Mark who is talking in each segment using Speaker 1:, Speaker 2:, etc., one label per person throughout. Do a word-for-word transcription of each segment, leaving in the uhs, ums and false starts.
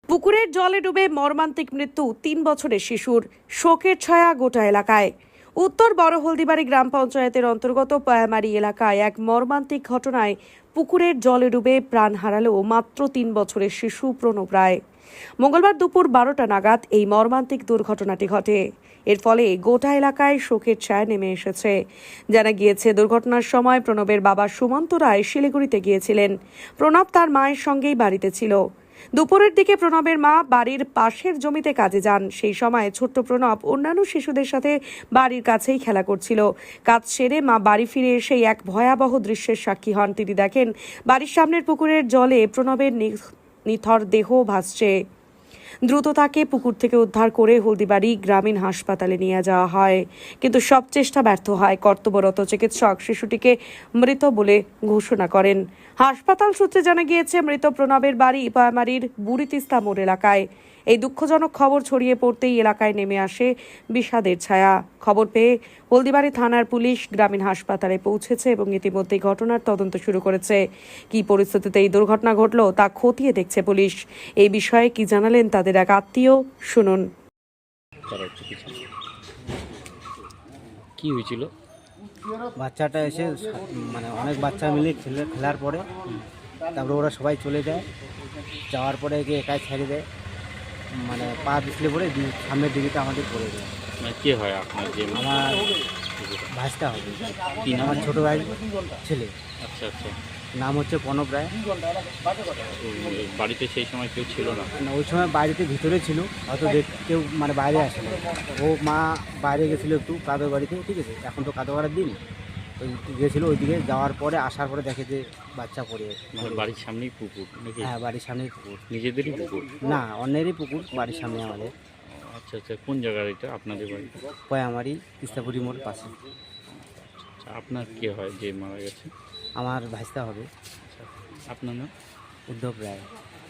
Speaker 1: পুকুরের জলে ডুবে মর্মান্তিক মৃত্যু তিন বছরের শিশুর, শোকের ছায়া গোটা এলাকায়। উত্তর বড় হলদিবাড়ি গ্রাম পঞ্চায়েতের অন্তর্গত পয়ামারি এলাকায় এক মর্মান্তিক ঘটনায় পুকুরের জলে ডুবে প্রাণ হারালো মাত্র তিন বছরের শিশু প্রণব রায়। মঙ্গলবার দুপুর বারোটা নাগাদ এই মর্মান্তিক দুর্ঘটনাটি ঘটে। এর ফলে গোটা এলাকায় শোকের ছায়া নেমে এসেছে। জানা গিয়েছে, দুর্ঘটনার সময় প্রণবের বাবা সুমন্ত রায় শিলিগুড়িতে গিয়েছিলেন। প্রণব তার মায়ের সঙ্গেই বাড়িতে ছিল। দুপুরের দিকে প্রণবের মা বাড়ির পাশের জমিতে কাজে যান। সেই সময় ছোট্ট প্রণব অন্যান্য শিশুদের সাথে বাড়ির কাছেই খেলা করছিল। কাজ সেরে মা বাড়ি ফিরে এসে এক ভয়াবহ দৃশ্যের সাক্ষী হন। তিনি দেখেন বাড়ির সামনের পুকুরের জলে প্রণবের নিথর দেহ ভাসছে। দ্রুত তাকে পুকুর থেকে উদ্ধার করে হলদিবাড়ি গ্রামীণ হাসপাতালে নিয়ে যাওয়া হয়, কিন্তু সব চেষ্টা ব্যর্থ হয়। কর্তব্যরত চিকিৎসক শিশুটিকে মৃত বলে ঘোষণা করেন। হাসপাতাল সূত্রে জানা গিয়েছে, মৃত প্রণবের বাড়ি পয়ামারির বুড়িতিস্তা মোড় এলাকায়। এই দুঃখজনক খবর ছড়িয়ে পড়তেই এলাকায় নেমে আসে বিষাদের ছায়া। খবর পেয়ে হলদিবাড়ি থানার পুলিশ গ্রামীণ হাসপাতালে পৌঁছেছে এবং ইতিমধ্যে ঘটনার তদন্ত শুরু করেছে। কি পরিস্থিতিতে এই দুর্ঘটনা ঘটল তা খতিয়ে দেখছে পুলিশ। এই বিষয়ে কি জানালেন তাদের এক আত্মীয়, শুনুন।
Speaker 2: কি হয়েছিল?
Speaker 3: বাচ্চাটা এসে মানে অনেক বাচ্চা মিলে খেলে খেলার পরে তারপরে ওরা সবাই চলে যায়। যাওয়ার পরে একে একাই ছেড়ে দেয়, মানে পা পিছলে পরে সামনের দিকে আমাদের পড়ে যায়।
Speaker 2: মানে কে হয় আপনার? যে
Speaker 3: আমার ভাইটা হবে।
Speaker 2: কি নাম?
Speaker 3: আমার ছোটো ভাই ছেলে।
Speaker 2: আচ্ছা আচ্ছা।
Speaker 3: নাম হচ্ছে প্রণব রায়।
Speaker 2: বাড়িতে সেই সময় কেউ ছিল না?
Speaker 3: না, ওই সময় বাড়িতে ভিতরে ছিল, হয়তো দেখ কেউ মানে বাইরে আসে না। ও মা বাইরে গেছিলো একটু কাদর বাড়িতে, ঠিক আছে, এখন তো কাদর বাড়ার দিন, ওই গেছিলো। ওইদিকে যাওয়ার পরে আসার পরে দেখে যে বাচ্চা পড়ে।
Speaker 2: মানে বাড়ির সামনেই পুকুর নাকি?
Speaker 3: হ্যাঁ, বাড়ির সামনেই পুকুর।
Speaker 2: নিজেদেরই পুকুর?
Speaker 3: না, অন্যেরই পুকুর, বাড়ির সামনে আমাদের।
Speaker 2: আচ্ছা আচ্ছা। কোন জায়গার এটা আপনাদের বাড়ি?
Speaker 3: পয়ামারি তিস্তাপুরি মোড় পাশে।
Speaker 2: আচ্ছা, আপনার কে হয় যে মারা গেছে?
Speaker 3: আমার ভাইস্তা হবে।
Speaker 2: আচ্ছা, আপনার নাম?
Speaker 3: উদ্ধব রায়।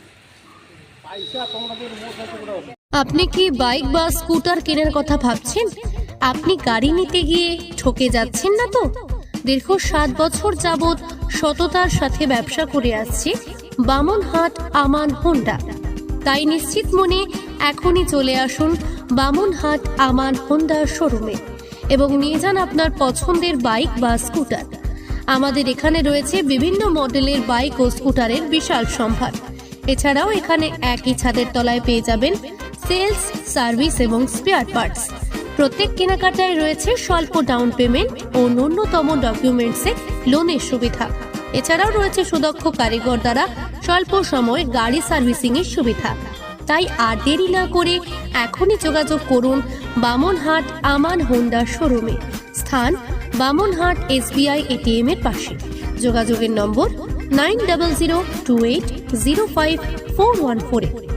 Speaker 4: আপনি কি বাইক বা স্কুটার কেনার কথা ভাবছেন? আপনি গাড়ি নিতে গিয়ে ঠকে যাচ্ছেন না তো? দীর্ঘ সাত বছর যাবৎ সততার সাথে ব্যবসা করে আসছে বামনহাট আমান হোন্ডা। তাই নিশ্চিত মনে এখনই চলে আসুন বামনহাট আমান হোন্ডা শোরুমে এবং নিয়ে যান আপনার পছন্দের বাইক বা স্কুটার। আমাদের এখানে রয়েছে বিভিন্ন মডেলের বাইক ও স্কুটারের বিশাল সম্ভার। এছাড়াও এখানে একই ছাদের তলায় পেয়ে যাবেন সেলস, সার্ভিস এবং স্পেয়ার পার্টস। প্রত্যেক কেনাকাটায় রয়েছে স্বল্প ডাউন পেমেন্ট ও ন্যূনতম ডকুমেন্টসে লোনের সুবিধা। এছাড়াও রয়েছে সুদক্ষ কারিগর দ্বারা স্বল্প সময়ে গাড়ি সার্ভিসিং এর সুবিধা। তাই আর দেরি না করে এখনই যোগাযোগ করুন বামনহাট আমান হোন্ডা শোরুমে। স্থান বামনহাট এসবিআই এটিএম এর পাশে। যোগাযোগের number nine double zero two eight zero five four one four.